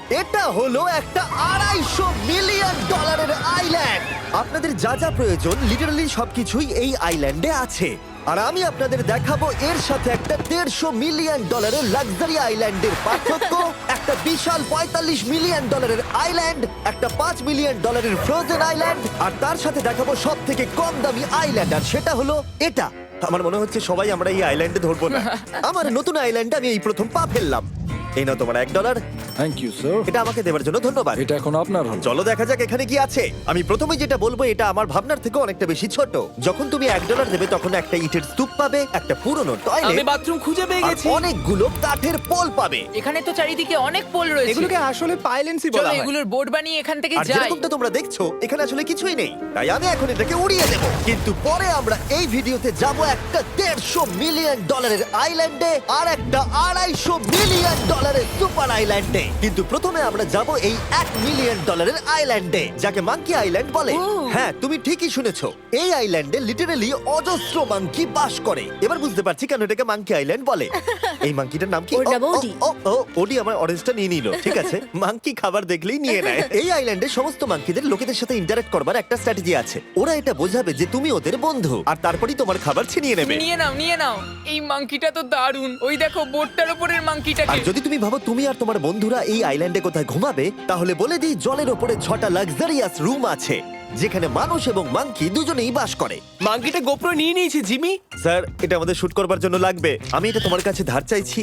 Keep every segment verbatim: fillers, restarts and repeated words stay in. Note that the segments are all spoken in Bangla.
এটা হলো একটা আড়াইশো মিলিয়ন ডলারের আইল্যান্ড। আপনাদের যা যা প্রয়োজন লিটারালি সবকিছুই এই আইল্যান্ডে আছে। আর আমি আপনাদের দেখাবো এর সাথে একটা দেড়শো মিলিয়ন ডলারের লাক্সারি আইল্যান্ডের পার্থক্য, একটা বিশাল পঁয়তাল্লিশ মিলিয়ন ডলারের আইল্যান্ড, একটা পাঁচ মিলিয়ন ডলারের ফ্রোজেন আইল্যান্ড, আর তার সাথে দেখাবো সব থেকে কম দামি আইল্যান্ড, আর সেটা হলো এটা। আমার মনে হচ্ছে সবাই আমরা এই আইল্যান্ডে ধরবো না। আমার নতুন আইল্যান্ডে আমি এই প্রথম পা ফেললাম। এই নাও তোমার এক ডলার। Thank you sir. এটা আমাকে দেওয়ার জন্য ধন্যবাদ। এটা এখন আপনার হল। চলো দেখা যাক এখানে কি আছে। আমি প্রথমে যেটা বলবো এটা আমার ভাবনার থেকে অনেকটা বেশি ছোট। যখন তুমি এক ডলার দেবে তখন একটা ইটের স্তূপ পাবে, একটা পুরনো আমি টয়লেট, বাথরুম খুঁজে পেয়ে আর গেছি। অনেকগুলো কাঠের পোল পাবে। এখানে তো চারিদিকে অনেক পোল রয়েছে। এগুলোকে আসলে পাইলেন্সি চলো বলা হয়। এগুলোর বোর্ড বানিয়ে এখান থেকে আর যাই। যেরকমটা তোমরা দেখছো এখানে আসলে কিছুই নেই, তাই আমি এখন এটাকে উড়িয়ে দেব। কিন্তু পরে আমরা এই ভিডিওতে যাব একটা দেড়শো মিলিয়ন ডলারের আইল্যান্ডে আর একটা আড়াইশো মিলিয়ন ডলারের সুপার আইল্যান্ডে। কিন্তু প্রথমে আমরা যাব এই এক মিলিয়ন ডলারের আইল্যান্ডে, যাকে মাঙ্কি আইল্যান্ড বলে। হ্যাঁ, তুমি ঠিকই শুনেছো, এই আইল্যান্ডে লিটারালি অজস্র মাঙ্কি বাস করে। এবার বুঝতে পারছি কেন এটাকে মাঙ্কি আইল্যান্ড বলে। এই মাঙ্কিটার নাম কি? ওর নাম ও, ও, ওডি। ও, ও, ওডি আমার অরেঞ্জটা নিয়ে নিল। ঠিক আছে, মাঙ্কি খাবার দেখলেই নিয়ে নেয়। এই আইল্যান্ডে সমস্ত মাঙ্কিদের লোকেদের সাথে ইন্টারঅ্যাক্ট করবার একটা স্ট্র্যাটেজি আছে। ওরা এটা বোঝাবে যে তুমি ওদের বন্ধু, আর তারপরেই তোমার খাবার ছিনিয়ে নেবে। তুমি নিয়ে নাও নিয়ে নাও। এই মাংকিটা তো দারুণ। ওই দেখো বোর্ডটার উপরের আর মাংকিটাকে। যদি তুমি ভাবো তুমি আর তোমার বন্ধুরা এই আইল্যান্ডে কোথায় ঘুমাবে, তাহলে বলে দিই জলের ওপরে ছটা লাক্সারিয়াস রুম আছে যেখানে মানুষ এবং মাঙ্কি দুজনেই বাস করে। মাঙ্কিটা গোপ্রো নিয়ে নিয়েছে জিমি। স্যার, এটা আমাদের শুট করবার জন্য লাগবে। আমি এটা তোমার কাছে ধার চাইছি।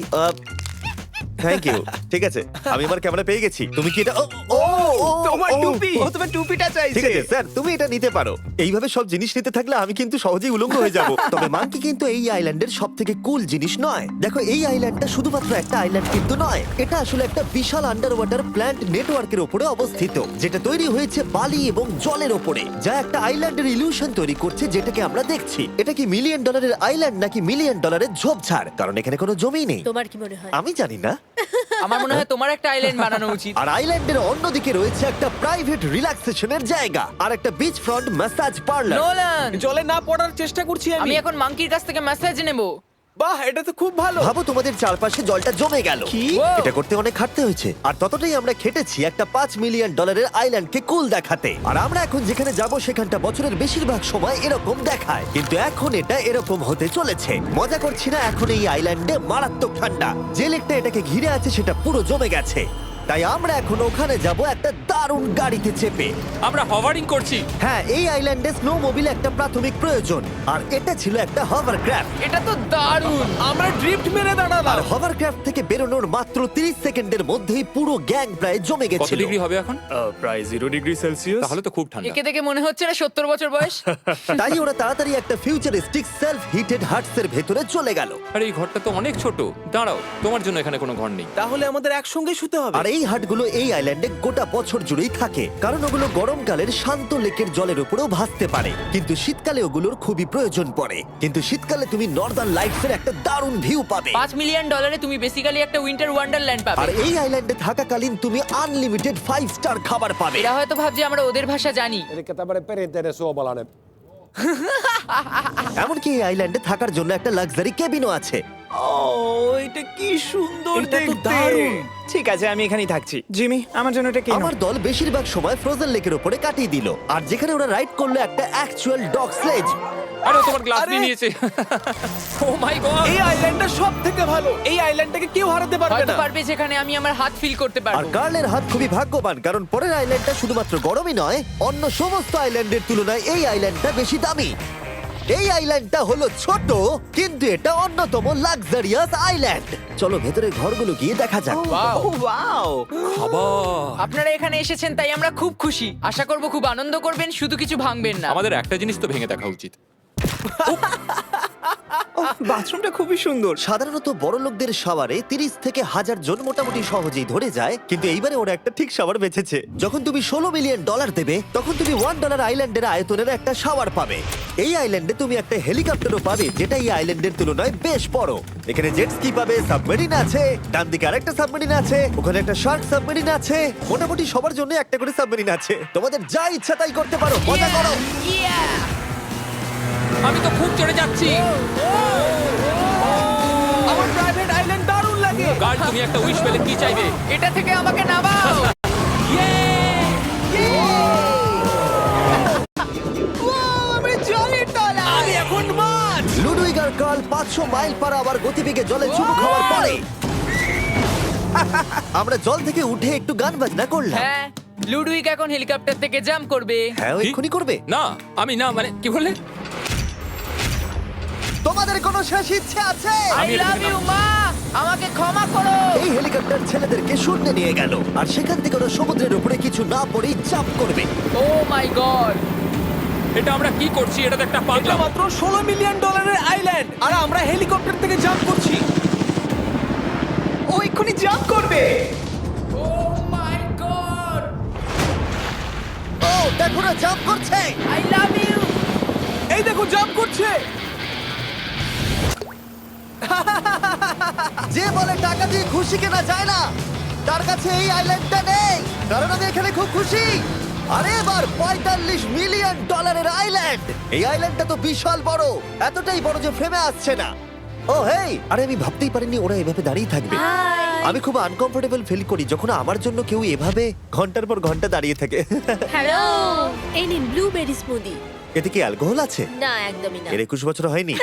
Thank you. ঠিক আছে, আমি আমার ক্যামেরা পেয়ে গেছি। তুমি কি এটা? ও, ও, ও, তোমার ও, টুপি। ও, ও তোমার টুপিটা ঠিক চাইছে। আছে স্যার, তুমি এটা নিতে পারো। এইভাবে সব জিনিস নিতে থাকলে আমি কিন্তু সহজেই উলঙ্গ হয়ে যাব। তবে মাঙ্কি কিন্তু এই আইল্যান্ডের সব থেকে কুল জিনিস নয়। দেখো, এই আইল্যান্ডটা শুধুমাত্র একটা আইল্যান্ড কিন্তু নয়, এটা আসলে একটা বিশাল আন্ডার ওয়াটার প্ল্যান্ট নেটওয়ার্কের উপরে অবস্থিত, যেটা তৈরি হয়েছে বালি এবং জলের উপরে, যা একটা আইল্যান্ডের ইলিউশন তৈরি করছে যেটাকে আমরা দেখছি। এটা কি মিলিয়ন ডলারের আইল্যান্ড নাকি মিলিয়ন ডলারের ঝোপঝাড়? কারণ এখানে কোনো জমি নেই। তোমার কি মনে হয়? আমি জানি না। আমার মনে হয় তোমার একটা আইল্যান্ড বানানো উচিত। আর আইল্যান্ডের অন্যদিকে রয়েছে একটা প্রাইভেট রিল্যাক্সেশনের জায়গা আর একটা beach front massage parlour. Nolan, জলে না পড়ার চেষ্টা করছি আমি। আমি এখন মাংকির কাছ থেকে মেসেজ নেব। বাহ, এটা তো খুব ভালো। ভাবো তোমাদের চারপাশে জলটা জমে গেল। কি? এটা করতে অনেক খাটতে হয়েছে, আর ততটাই আমরা খেটেছি একটা পাঁচ মিলিয়ন ডলারের আইল্যান্ডকে কুল দেখাতে। আর আমরা এখন যেখানে যাব সেখানটা বছরের বেশিরভাগ সময় এরকম দেখায়, কিন্তু এখন এটা এরকম হতে চলেছে। মজা করছি না, এখন এই আইল্যান্ডে মারাত্মক ঠান্ডা। যে লেকটা এটাকে ঘিরে আছে সেটা পুরো জমে গেছে, তাই আমরা এখন ওখানে যাব একটা দারুণ গাড়িতে চেপে। আমরা হভারিং করছি। হ্যাঁ, এই আইল্যান্ডে স্নো মোবিল একটা প্রাথমিক প্রয়োজন, আর এটা ছিল একটা হভারক্রাফট। এটা তো দারুণ। আমরা ড্রিফট মেরে আর দাঁড়ালাম। হভারক্রাফট থেকে বেরোনোর মাত্র তিরিশ সেকেন্ডের মধ্যেই পুরো গ্যাং প্রায় জমে কত গেছিল। ডিগ্রি হবে এখন? প্রায় জিরো ডিগ্রি সেলসিয়াস। তাহলে তো খুব ঠান্ডা। একে দেখে মনে হচ্ছে না সত্তর বছর বয়স। তাই ওরা তাড়াতাড়ি একটা ফিউচারিস্টিক সেলফ হিটেড হাটস এর ভেতরে চলে গেল। আর এই ঘরটা তো অনেক ছোট। দাঁড়াও, তোমার জন্য এখানে কোনো ঘর নেই। তাহলে আমাদের একসঙ্গে শুতে হবে। আর এই হাটগুলো এই আইল্যান্ডে গোটা বছর জুড়েই থাকে, কারণ ওগুলো গরমকালের শান্ত লেকের জলের উপরেও ভাসতে পারে, কিন্তু শীতকালে ওগুলোর খুবই প্রয়োজন পড়ে। কিন্তু শীতকালে তুমি নর্দার্ন লাইটস এর একটা দারুণ ভিউ পাবে। পাঁচ মিলিয়ন ডলারে তুমি বেসিক্যালি একটা উইন্টার ওয়ান্ডারল্যান্ড আর পাবে। এই আইল্যান্ডে থাকাকালীন তুমি আনলিমিটেড ফাইভ স্টার খাবার পাবে। এরা হয়তো ভাবছে আমরা ওদের ভাষা জানি। Eli tämmöinen perinteinen suomalainen. এমনকি এই আইল্যান্ডে থাকার জন্য একটা লাক্সারি কেবিনও আছে। ও, এটা কি সুন্দর এটা তো দেখতে। দারুণ। ঠিক আছে, আমি এখানেই থাকছি। জিমি, আমার জন্য এটা কিনো। আমার দল বেশিরভাগ সময় ফ্রোজেন লেকের উপরে কাটিয়ে দিল, আর যেখানে ওরা রাইড করলো একটা অ্যাকচুয়াল ডগ স্লেজ। আরে ও তোমার গ্লাস আরে! নিয়ে নিয়েছে। Oh my God! এই আইল্যান্ডটা সব থেকে ভালো। এই আইল্যান্ডটাকে কেউ হারাতে পারবে হয়তো না। পারবে যেখানে আমি আমার হাত ফিল করতে আর পারবো। কার্লের হাত খুবই ভাগ্যবান, কারণ পরের আইল্যান্ডটা শুধুমাত্র গরমই নয়, অন্য সমস্ত আইল্যান্ডের তুলনায় এই আইল্যান্ডটা বেশি দামি। এই আইল্যান্ডটা হলো ছোট, কিন্তু এটা অন্যতম লাক্সারিয়াস আইল্যান্ড। চলো ভেতরে ঘরগুলো গিয়ে দেখা যাক। Wow! Oh wow. খাবার। আপনারা এখানে এসেছেন তাই আমরা খুব খুশি। আশা করব খুব আনন্দ করবেন, শুধু কিছু ভাঙবেন না। আমাদের একটা জিনিস তো ভেঙে দেখা উচিত। বাথরুমটা খুবই সুন্দর। সাধারণত বড় লোকদের শাওয়ারে তিরিশ থেকে হাজার জন মোটামুটি সহজেই ধরে যায়, কিন্তু এইবারে ওরা একটা ঠিক শাওয়ার বেঁচেছে। যখন তুমি ষোলো মিলিয়ন ডলার দেবে তখন তুমি ওয়ান ডলার আইল্যান্ডের আয়তনের একটা শাওয়ার পাবে। এই আইল্যান্ডে তুমি একটা হেলিকপ্টারও পাবে, যেটা এই আইল্যান্ডের তুলনায় বেশ বড়। এখানে জেট স্কি পাবে, সাবমেরিন আছে, ডান দিকে আরেকটা সাবমেরিন আছে, ওখানে একটা শার্ক সাবমেরিন আছে। মোটামুটি সবার জন্য একটা করে সাবমেরিন আছে। তোমাদের যা ইচ্ছা তাই করতে পারো, মজা করো। Yeah! আমি তো খুব চড়ে যাচ্ছি। আমার প্রাইভেট আইল্যান্ড দারুণ লাগে। গার্ড, তুমি একটা উইশ পেলে কি চাইবে? এটা থেকে আমাকে নামাও। মাইল পার আওয়ার গতিবেগে জলে চুমু খাওয়ার পরে আমরা জল থেকে উঠে একটু গান বাজনা করলাম। হ্যাঁ লুডুইক এখন হেলিকপ্টার থেকে জাম্প করবে। হ্যাঁ ও কি? এক্ষুনি করবে। না আমি না মানে কি বললে? তোমাদের কোনো শেষ ইচ্ছে আছে? আই লাভ ইউ মা, আমাকে ক্ষমা করো। এই হেলিকপ্টার ছেলেদেরকে শূন্যে নিয়ে গেল আর সেখান থেকে ওরা সমুদ্রের উপরে কিছু না পড়েই চাপ করবে। ও মাই গড, এটা আমরা কি করছি? এটা তো একটা এটা পাগলাম। মাত্র ষোলো মিলিয়ন ডলারের আইল্যান্ড আর আমরা হেলিকপ্টার থেকে জাম্প করছি। ও এক্ষুনি জাম্প করবে। ও মাই গড, ও দেখো না জাম্প করছে। I love you. এই দেখো জাম্প করছে। যে বলে টাকা দিয়ে খুশি কেনা যায় না, তার কাছে এই আইল্যান্ডটা নেই। কারণ আমি এখানে খুব খুশি। আরে এবার পঁয়তাল্লিশ মিলিয়ন ডলারের আইল্যান্ড। এই আইল্যান্ডটা তো বিশাল বড়, এতটাই বড় যে ফ্রেমে আসছে না। ও হেই, আরে আমি ভাবতেই পারিনি ওরা এভাবে দাঁড়িয়ে থাকবে। আমি খুব আনকমফোর্টেবল ফিল করি যখন আমার জন্য কেউ এভাবে ঘন্টার পর ঘন্টা দাঁড়িয়ে থাকে। হ্যালো, এই নিন ব্লুবেরি স্মুদি। এতে কি অ্যালকোহল আছে? না, একদমই না। এর একুশ বছর হয়নি।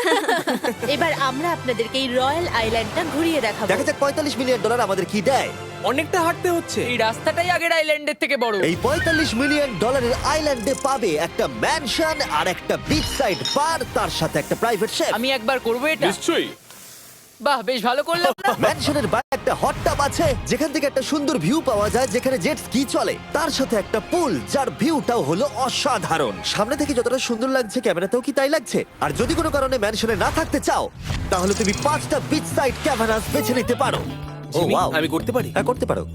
এবার আমরা আপনাদেরকে এই রয়্যাল আইল্যান্ডটা ঘুরিয়ে দেখাবো। দেখা যাক পঁয়তাল্লিশ মিলিয়ন ডলার আমাদের কি দেয়। অনেকটা হাঁটতে হচ্ছে। এই রাস্তাটাই আগের আইল্যান্ডের থেকে বড়। এই পঁয়তাল্লিশ মিলিয়ন ডলারের আইল্যান্ডে পাবে একটা ম্যানশন আর একটা বিচ সাইড বার, তার সাথে একটা প্রাইভেট শেফ। আমি একবার করবো এটা। নিশ্চয়ই। বাহ, বেশ ভালো করলাম না? ম্যানশনের বাইরে একটা হট টাব আছে যেখান থেকে একটা সুন্দর ভিউ পাওয়া যায়, যেখানে জেট স্কি চলে। তার সাথে একটা পুল যার ভিউটাও হলো অসাধারণ। সামনে থেকে যতটা সুন্দর লাগছে ক্যামেরাতেও কি তাই লাগছে। আর যদি কোনো কারণে ম্যানশনে না থাকতে চাও তাহলে তুমি পাঁচটা বিচ সাইড ক্যামেরাস বেছে নিতে পারো। ও জিমি, ওয়াও, আমি করতে পারি? হ্যাঁ করতে পারো।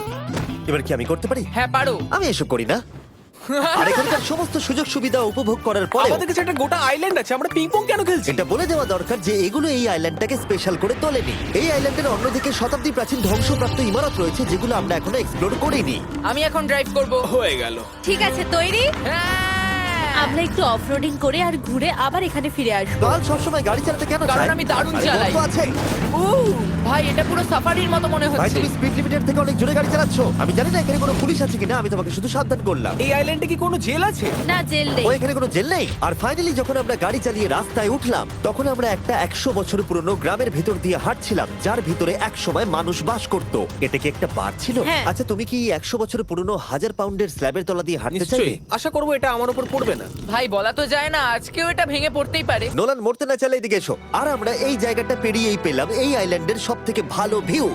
এবার কি আমি করতে পারি? হ্যাঁ পারো। আমি এসব করি না। আর এখানকার সমস্ত সুযোগ সুবিধা উপভোগ করার পরে আমাদের কাছে একটা গোটা আইল্যান্ড আছে, আমরা পিং পং কেন খেলছি? এটা বলে দেওয়া দরকার যে এগুলো এই আইল্যান্ডটাকে স্পেশাল করে তোলেনি। এই আইল্যান্ডের অন্যদিকে শতাব্দী প্রাচীন ধ্বংসপ্রাপ্ত ইমারত রয়েছে যেগুলো আমরা এখনো এক্সপ্লোর করিনি। আমি এখন ড্রাইভ করব। হয়ে গেল। ঠিক আছে, তৈরি? হ্যাঁ। আমরা একটু অফরোডিং করে আর ঘুরে আবার এখানে ফিরে আসবো। কাল সবসময় গাড়ি চালাতে কেন কারণ চায়? আমি দারুণ আরে চালাই। বন্ধু আছে। উ, ভাই এটা পুরো সাফারির মতো মনে ভাই হচ্ছে। তুমি স্পিড লিমিটের থেকে অনেক জোরে গাড়ি চালাচ্ছ। আমি জানি না এখানে কোনো পুলিশ আছে কিনা, আমি তোমাকে শুধু সাবধান করলাম। এই আইল্যান্ডে কি কোনো জেল আছে? না, জেল নেই। ও এখানে কোনো জেল নেই। আর ফাইনালি যখন আমরা গাড়ি চালিয়ে রাস্তায় উঠলাম তখন আমরা একটা একশো বছর পুরনো গ্রামের ভেতর দিয়ে হাঁটছিলাম যার ভিতরে এক সময় মানুষ বাস করত। এটা কি একটা বার ছিল? হ্যাঁ। আচ্ছা তুমি কি একশো বছর পুরনো হাজার পাউন্ডের স্ল্যাবের তলা দিয়ে হাঁটতে চাইবে? নিশ্চয়ই। আশা করবো এটা আমার উপর পড়বে না। ভাই বলা তো যায় না, আজকেও এটা ভেঙে পড়তেই পারে। নোলান মরতে না চাইলে এদিকে এসো। আর আমরা এই জায়গাটা পেরিয়েই পেলাম এই আইল্যান্ডের সব থেকে ভালো ভিউ।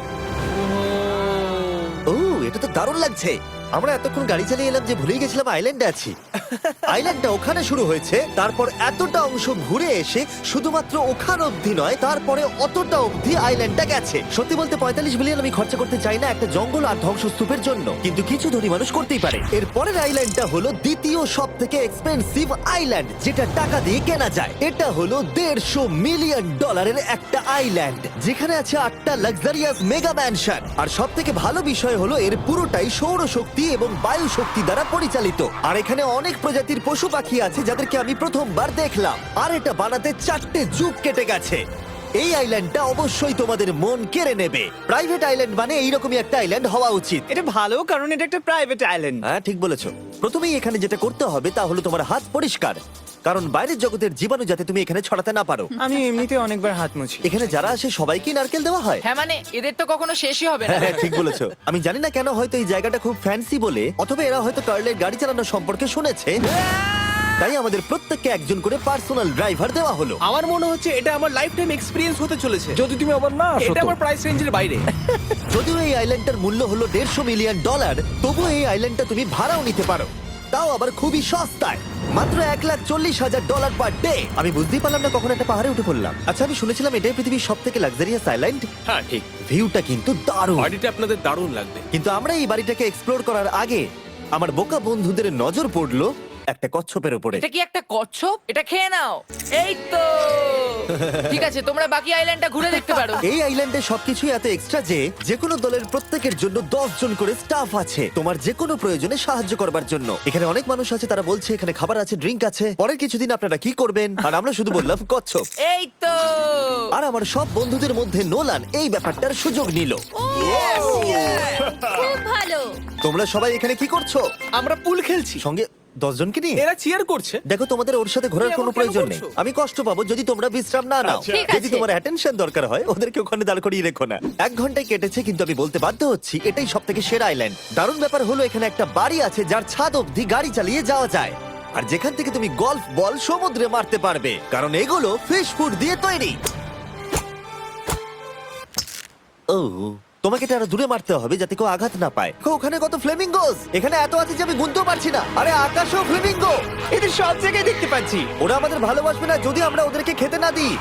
ও এটা তো দারুণ লাগছে। আমরা এতক্ষণ গাড়ি চালিয়ে এলাম যে ভুলেই গেছিলাম আইল্যান্ডে আছি। আইল্যান্ডটা ওখানে শুরু হয়েছে, তারপর এতটা অংশ ঘুরে এসে শুধুমাত্র ওখান অবধি নয়, তারপরে অতটা অবধি আইল্যান্ডটা গেছে। সত্যি বলতে পঁয়তাল্লিশ মিলিয়ন আমি খরচা করতে চাই না একটা জঙ্গল আর ধ্বংসস্তূপের জন্য, কিন্তু কিছু ধনী মানুষ করতেই পারে। এর পরের আইল্যান্ডটা হলো দ্বিতীয় সব থেকে এক্সপেন্সিভ আইল্যান্ড, যেটা টাকা দিয়ে কেনা যায়। এটা হলো দেড়শো মিলিয়ন ডলারের একটা আইল্যান্ড যেখানে আছে আটটা লাক্সারিয়াস মেগা ম্যানশন। আর সব থেকে ভালো বিষয় হলো এর পুরোটাই সৌরশক্তি এবং বায়ু শক্তি দ্বারা পরিচালিত। আর এখানে অনেক প্রজাতির পশু পাখি আছে যাদেরকে আমি প্রথমবার দেখলাম। আর এটা বানাতে চারটে যুগ কেটে গেছে। এই আইল্যান্ডটা অবশ্যই তোমাদের মন কেড়ে নেবে। প্রাইভেট আইল্যান্ড মানে এইরকমই একটা আইল্যান্ড হওয়া উচিত। এটা ভালো কারণ এটা একটা প্রাইভেট আইল্যান্ড। হ্যাঁ ঠিক বলেছো। প্রথমেই এখানে যেটা করতে হবে তা হলো তোমার হাত পরিষ্কার, কারণ বাইরের জগতের জীবাণু যাতে তুমি এখানে ছড়াতে না পারো। আমি এমনিতে অনেকবার হাত মুছি। এখানে যারা আসে সবাইকেই নারকেল দেওয়া হয়। হ্যাঁ মানে এদের তো কখনো শেষই হবে না। হ্যাঁ ঠিক বলেছো। আমি জানি না কেন, হয়তো এই জায়গাটা খুব ফ্যান্সি বলে, অথবা এরা হয়তো কার্লের গাড়ি চালানো সম্পর্কে শুনেছে, তাই আমাদের প্রত্যেককে একজন করে পার্সোনাল ড্রাইভার দেওয়া হলো। আমার মনে হচ্ছে এটা আমার লাইফ টাইম এক্সপিরিয়েন্স হতে চলেছে। যদি তুমি আবার না আসো এটা তো। আমার প্রাইস রেঞ্জের বাইরে। যদিও এই আইল্যান্ডটার মূল্য হলো দেড়শো মিলিয়ন ডলার, তবুও এই আইল্যান্ডটা তুমি ভাড়াও নিতে পারো, তাও আবার খুবই সস্তায়, মাত্র এক লাখ চল্লিশ হাজার ডলার পার ডে। আমি বুঝতেই পারলাম না কখন একটা পাহাড়ে উঠে পড়লাম। আচ্ছা আমি শুনেছিলাম এটাই পৃথিবীর সব থেকে লাক্সারিয়াস আইল্যান্ড। হ্যাঁ ঠিক। ভিউটা কিন্তু দারুণ। বাড়িটা আপনাদের দারুণ লাগবে। কিন্তু আমরা এই বাড়িটাকে এক্সপ্লোর করার আগে আমার বোকা বন্ধুদের নজর পড়লো একটা কচ্ছপের উপরে। এটা কি একটা কচ্ছপ? এটা খেয়ে নাও। এই তো ঠিক আছে, তোমরা বাকি আইল্যান্ডটা ঘুরে দেখতে পারো। এই আইল্যান্ডে সবকিছু এত এক্সট্রা যে যে কোনো দলের প্রত্যেকের জন্য দশ জন করে স্টাফ আছে তোমার যে কোনো প্রয়োজনে সাহায্য করবার জন্য। এখানে অনেক মানুষ আছে, তারা বলছে এখানে খাবার আছে, ড্রিঙ্ক আছে, পরের কিছুদিন আপনারা কি করবেন, আর আমরা শুধু বললাম কচ্ছপ। এই তো আর আমার সব বন্ধুদের মধ্যে নোলান এই ব্যাপারটার সুযোগ নিল। খুব ভালো। তোমরা সবাই এখানে কি করছো? আমরা পুল খেলছি। সঙ্গে দশ জনকে নিয়ে এরা চিয়ার করছে। দেখো, তোমাদের ওর সাথে ঘোরার তুমি কোনো এমন কেন প্রয়োজন নেই। করছো? আমি কষ্ট পাবো যদি তোমরা বিশ্রাম না নাও। ঠিক যদি আছে। তোমার অ্যাটেনশন দরকার হয় ওদেরকে ওখানে দাঁড় করিয়ে রেখো না। এক ঘন্টায় কেটেছে, কিন্তু আমি বলতে বাধ্য হচ্ছি এটাই সব থেকে সেরা আইল্যান্ড। দারুণ ব্যাপার হলো এখানে একটা বাড়ি আছে যার ছাদ অবধি গাড়ি চালিয়ে যাওয়া যায়, আর যেখান থেকে তুমি গলফ বল সমুদ্রে মারতে পারবে, কারণ এগুলো ফিশ ফুড দিয়ে তৈরি। ও, তোমাকে এটা আরো দূরে মারতে হবে যাতে কেউ আঘাত না পায়। দেখো, ওখানে কত ফ্লেমিঙ্গোস! এখানে এত আছে যে আমি গুনতেও পারছি না। আরে আকাশও ফ্লেমিঙ্গো! এদের সব জায়গায় দেখতে পাচ্ছি। ওরা আমাদের ভালোবাসবে না যদি আমরা ওদেরকে খেতে না দিই।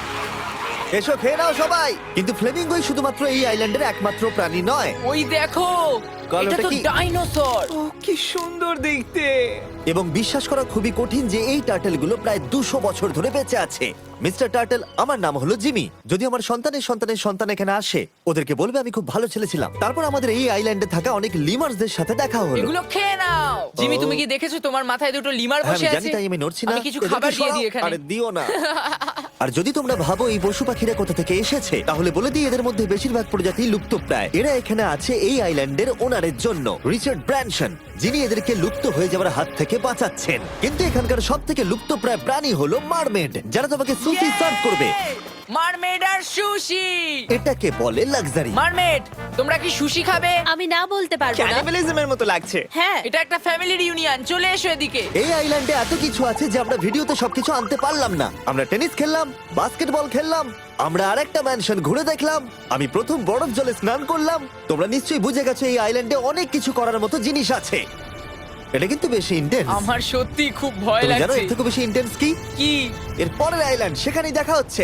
এসো, খেয়ে নাও সবাই। কিন্তু ফ্লেমিঙ্গোই শুধুমাত্র এই আইল্যান্ডের একমাত্র প্রাণী নয়। ওই দেখো, কাল এটা ওটা তো কি? ডাইনোসর। ও কি সুন্দর দেখতে। এবং বিশ্বাস করা খুবই কঠিন যে এই টার্টেলগুলো প্রায় দুশো বছর ধরে বেঁচে আছে। মিস্টার টার্টেল, আমার নাম হলো জিমি। যদি আমার সন্তানের সন্তানের সন্তান এখানে আসে, ওদেরকে বলবে আমি খুব ভালো ছেলে ছিলাম। তারপর আমাদের এই আইল্যান্ডে থাকা অনেক লিমার্সদের সাথে দেখা হলো। এগুলো খেয়ে নাও। জিমি, ও। তুমি কি দেখেছো তোমার মাথায় দুটো লিমার হ্যাঁ, বসে আমি জানি, আছে? তাই আমি নড়ছি না। আমি কিছু এদেরকে খাবার দিয়ে সরাও। দিই এখানে। আরে দিও না। আর যদি তোমরা ভাবো এই পশু পাখিরা কোথা থেকে এসেছে, তাহলে বলে দিই এদের মধ্যে বেশিরভাগ প্রজাতি লুপ্তপ্রায়। এরা এখানে আছে এই আইল্যান্ডের ওনারের জন্য, রিচার্ড ব্র্যানসন, যিনি এদেরকে লুপ্ত হয়ে যাওয়ার হাত থেকে বাঁচাচ্ছেন। কিন্তু এখানকার সব থেকে লুপ্তপ্রায় প্রাণী হলো মারমেড, যারা তোমাকে সুশি সার্ভ করবে। মারমেড আর সুশি। এটাকে বলে লাক্সারি। মারমেড, তোমরা কি সুশি খাবে? আমি না বলতে পারবো না। ক্যানিবালিজমের মতো লাগছে। হ্যাঁ, এটা একটা ফ্যামিলি রিউনিয়ন, চলে এসো এদিকে। এই আইল্যান্ডে এত কিছু আছে যে আমরা ভিডিওতে সবকিছু আনতে পারলাম না। আমরা টেনিস খেললাম, বাস্কেটবল খেললাম, আমরা আরেকটা ম্যানশন ঘুরে দেখলাম, আমি প্রথম বরফ জলে স্নান করলাম। তোমরা নিশ্চয়ই বুঝে গেছো এই আইল্যান্ডে অনেক কিছু করার মতো জিনিস আছে। এটা কিন্তু বেশি ইন্টেন্স। আমার সত্যি খুব ভয় তুমি জানো লাগছে। এর থেকে বেশি ইন্টেন্স কি? কি? এর পরের আইল্যান্ড, সেখানেই দেখা হচ্ছে।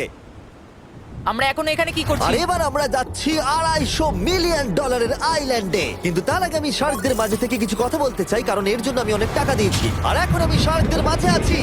আমরা এখন এখানে কি আর করছি? এবার আমরা যাচ্ছি আড়াইশো মিলিয়ন ডলারের আইল্যান্ডে। কিন্তু তার আগে আমি শার্কদের মাঝে থেকে কিছু কথা বলতে চাই, কারণ এর জন্য আমি অনেক টাকা দিয়েছি। আর এখন আমি শার্কদের মাঝে আছি।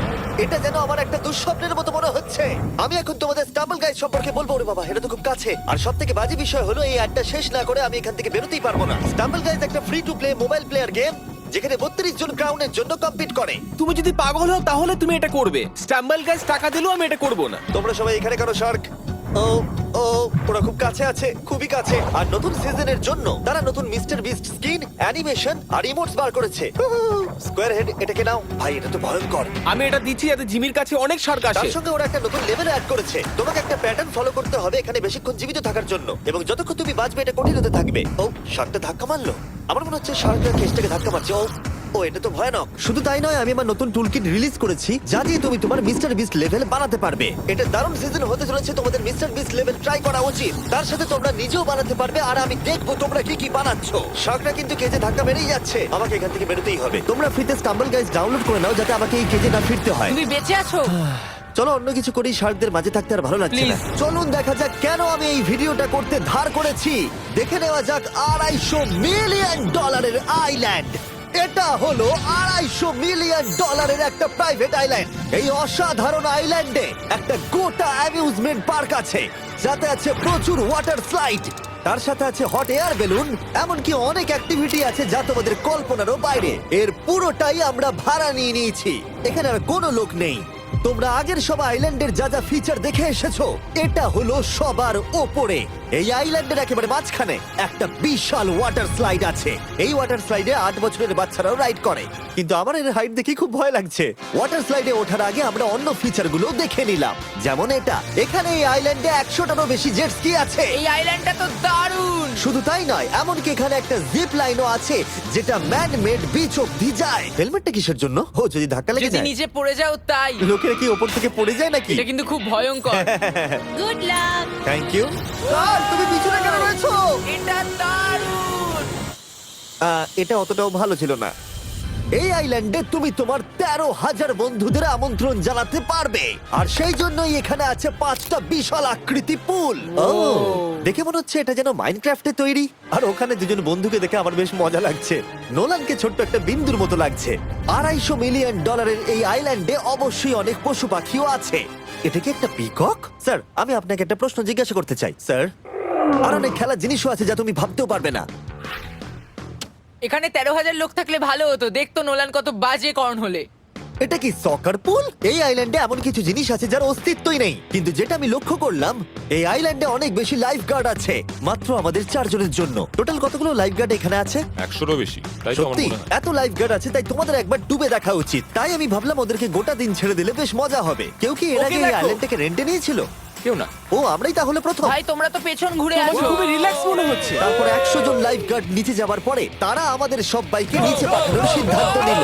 এটা যেন আমার একটা দুঃস্বপ্নের মতো মনে হচ্ছে। আমি এখন তোমাদের স্টাম্বল গাইড সম্পর্কে বলবো। ওরে বাবা, এটা তো খুব কাছে। আর সব থেকে বাজে বিষয় হলো এই অ্যাডটা শেষ না করে আমি এখান থেকে বেরোতেই পারবো না। স্টাম্বল গাইজ একটা free to play mobile player game, যেখানে বত্রিশ জন ক্রাউনের জন্য কম্পিট করে। তুমি যদি পাগল হও তাহলে তুমি এটা করবে। স্ট্যাম্বল গাইজ টাকা দিলেও আমি এটা করব না। তোমরা সবাই এখানে কেন শার্ক? ও ও ওরা খুব কাছে আছে, খুবই কাছে। আর নতুন সিজনের জন্য তারা নতুন মিস্টার বিস্ট স্কিন, অ্যানিমেশন আর ইমোটস বার করেছে। স্কোয়ার হেড, এটাকে নাও ভাই, এটা তো ভয়ঙ্কর। আমি এটা দিচ্ছি যাতে জিমির কাছে অনেক শার্ক তার আসে। সঙ্গে ওরা একটা নতুন লেভেল অ্যাড করেছে। তোমাকে একটা প্যাটার্ন ফলো করতে হবে এখানে বেশিক্ষণ জীবিত থাকার জন্য, এবং যতক্ষণ তুমি বাঁচবে এটা কঠিন হতে থাকবে। ও, শার্কটা ধাক্কা মারলো। আমার মনে হচ্ছে শার্কটা কেসটাকে ধাক্কা মারছে। ও ও এটা তো ভয়ানক। শুধু তাই নয়, আমি আমার নতুন টুলকিট রিলিজ করেছি যা দিয়ে তুমি তোমার মিস্টার বিস্ট লেভেল বানাতে পারবে। এটা দারুণ সিজন হতে চলেছে, তোমাদের মিস্টার বিস্ট লেভেল ট্রাই করা উচিত। তার সাথে তোমরা নিজেও বানাতে পারবে, আর আমি দেখবো তোমরা কি কি বানাচ্ছ। শার্কটা কিন্তু কেজে ধাক্কা মেরেই যাচ্ছে, আমাকে এখান থেকে বেরোতেই হবে। তোমরা ফ্রিতে স্টাম্বল গাইজ ডাউনলোড করে নাও যাতে আমাকে এই কেজে না ফিরতে হয়। তুমি বেঁচে আছো? চলো অন্য কিছু করি, শার্কদের মাঝে থাকতে আর ভালো লাগছে না। Please. চলুন দেখা যাক কেন আমি এই ভিডিওটা করতে ধার করেছি। দেখে নেওয়া যাক আড়াইশো মিলিয়ন ডলারের আইল্যান্ড। এটা হলো আড়াইশো মিলিয়ন ডলারের একটা প্রাইভেট আইল্যান্ড। এই অসাধারণ আইল্যান্ডে একটা গোটা অ্যামিউজমেন্ট পার্ক আছে, যাতে আছে প্রচুর ওয়াটার স্লাইড, তার সাথে আছে হট এয়ার বেলুন, এমনকি অনেক অ্যাক্টিভিটি আছে যা তোমাদের কল্পনারও বাইরে। এর পুরোটাই আমরা ভাড়া নিয়ে নিয়েছি। এখানে আর কোনো লোক নেই। তোমরা আগের সব আইল্যান্ডের যা যা ফিচার দেখে এসেছো, এটা হলো সবার ওপরে। এই আইল্যান্ডের একেবারে মাঝখানে একটা বিশাল ওয়াটার স্লাইড আছে। এই ওয়াটার স্লাইডে আট বছরের বাচ্চারাও রাইড করে, কিন্তু আমার এর হাইট দেখে খুব ভয় লাগছে। ওয়াটার স্লাইডে ওঠার আগে আমরা অন্য ফিচার গুলো দেখে নিলাম, যেমন এটা। এখানে এই আইল্যান্ডে একশোটারও বেশি জেট স্কি আছে। এই আইল্যান্ডটা তো দারুণ। শুধু তাই নয়, এমনকি এখানে একটা জিপ লাইনও আছে যেটা ম্যান মেড বিচ অব্দি যায়। হেলমেটটা কিসের জন্য? ও যদি ধাক্কা লেগে যদি যায়। নিচে পড়ে যাও তাই। লোকেরা কি ওপর থেকে পড়ে যায় নাকি? এটা কিন্তু খুব ভয়ঙ্কর। Good luck. Thank you. তুমি পিছনে কেন রয়েছো? এটা দারুণ। আহ, এটা অতটাও ভালো ছিল না। এই আইল্যান্ডে তুমি তোমার তেরো হাজার বন্ধুদের আমন্ত্রণ জানাতে পারবে, আর সেই জন্যই এখানে আছে পাঁচটা বিশাল আকৃতি পুল। ও, দেখে মনে হচ্ছে এটা যেন মাইনক্রাফটে তৈরি। আর ওখানে দুজন বন্ধুকে দেখে আমার বেশ মজা লাগছে। নোলানকে ছোট্ট একটা বিন্দুর মতো লাগছে। আড়াইশো মিলিয়ন ডলারের এই আইল্যান্ডে অবশ্যই অনেক পশু পাখিও আছে। এটা কি একটা পিকক? স্যার, আমি আপনাকে একটা প্রশ্ন জিজ্ঞাসা করতে চাই স্যার। আর অনেক খেলার জিনিসও আছে যা তুমি ভাবতেও পারবে না। এখানে তেরো হাজার লোক থাকলে ভালো হতো, দেখতো নোলান কত বাজে কর্ন হলে। এটা কি সকার পুল? এই আইল্যান্ডে এমন কিছু জিনিস আছে যার অস্তিত্বই নেই, কিন্তু যেটা আমি লক্ষ্য করলাম এই আইল্যান্ডে অনেক বেশি লাইফ গার্ড আছে, মাত্র আমাদের চারজনের জন্য। টোটাল কতগুলো লাইফ গার্ড এখানে আছে? একশোরও বেশি, তাই তো আমার সত্যি মনে হয়। এত লাইফ গার্ড আছে, তাই তোমাদের একবার ডুবে দেখা উচিত। তাই আমি ভাবলাম ওদেরকে গোটা দিন ছেড়ে দিলে বেশ মজা হবে। কেউ কি এর ওকে আগে এই দেখো। আইল্যান্ডটাকে রেন্টে নিয়েছিল? কেউ না। ও, আমরাই তাহলে প্রথম। ভাই তোমরা তো পেছন ঘুরে তোমাকে আসো। খুবই রিল্যাক্স মনে হচ্ছে। তারপর একশো জন লাইফ গার্ড নিচে যাবার পরে তারা আমাদের সব বাইকে নিচে পাঠানোর সিদ্ধান্ত নিল।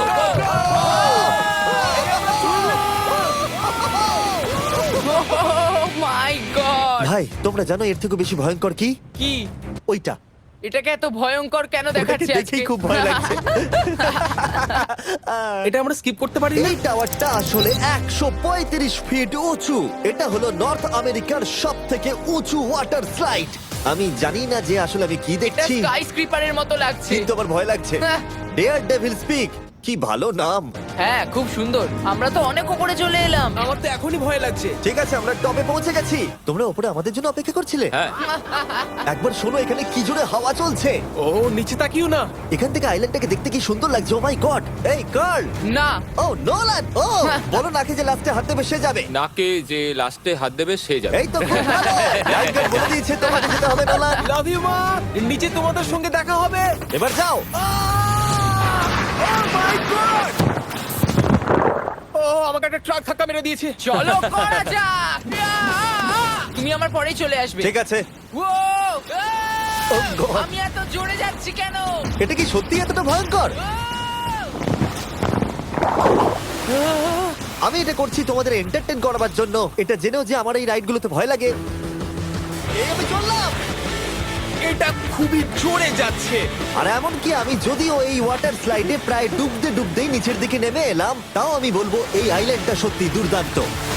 মাই গড, ভাই, তোমরা জানো এর থেকে বেশি ভয়ঙ্কর কি? কি ওইটা এটাকে এত ভয়ঙ্কর কেন ওটাকে দেখাচ্ছে দেখেই আজকে? খুব ভয় লাগছে। এটা আমরা স্কিপ করতে পারি না। এই টাওয়ারটা আসলে একশো পঁয়ত্রিশ ফিট উঁচু। এটা হলো নর্থ আমেরিকার সব থেকে উঁচু ওয়াটার স্লাইড। আমি জানি না যে আসলে আমি কি এটা দেখছি, স্কাই স্ক্রিপারের মতো লাগছে। কিন্তু আমার ভয় লাগছে। হ্যাঁ। ডেয়ার ডেভিল স্পিক, কি ভালো নাম। হ্যাঁ খুব সুন্দর, আমরা তো অনেক উপরে চলে এলাম। আমার তো এখনই ভয় লাগছে। ঠিক আছে, আমরা টপে পৌঁছে গেছি। তোমরা উপরে আমাদের জন্য অপেক্ষা করছিলে? হ্যাঁ, একবার শোনো, এখানে কি জোরে হাওয়া চলছে। ও নিচে তাকিও না। এখান থেকে আইল্যান্ডটাকে দেখতে কি সুন্দর লাগছে। ও মাই গড, এই গার্ল, না ও নোলান, ও বলো নাকি যে লাস্টে হাত দেবে সে যাবে। নাকে যে লাস্টে হাত দেবে সে যাবে। এই তো খুব ভালো। লাইফগার্ড বলে দিয়েছে তোমাকে যেতে হবে নোলান। লাভ ইউ মা। নিচে তোমাদের সঙ্গে দেখা হবে। এবার যাও। ও আমাকে একটা ট্রাক ধাক্কা মেরে দিয়েছে। চলো করা যাক। তুমি আমার পরেই চলে আসবে। ঠিক আছে। ও Oh God! আমি এত জোরে যাচ্ছি কেন? এটা কি সত্যি এতটা ভয়ঙ্কর? আমি এটা করছি তোমাদের এন্টারটেইন করার জন্য। এটা জেনেও যে আমার এই রাইডগুলোতে ভয় লাগে। এই আমি চললাম। এটা খুবই জোরে যাচ্ছে। আর এমনকি আমি যদিও এই ওয়াটার স্লাইডে প্রায় ডুবতে ডুবতেই নিচের দিকে নেমে এলাম, তাও আমি বলবো এই আইল্যান্ডটা সত্যি দুর্দান্ত।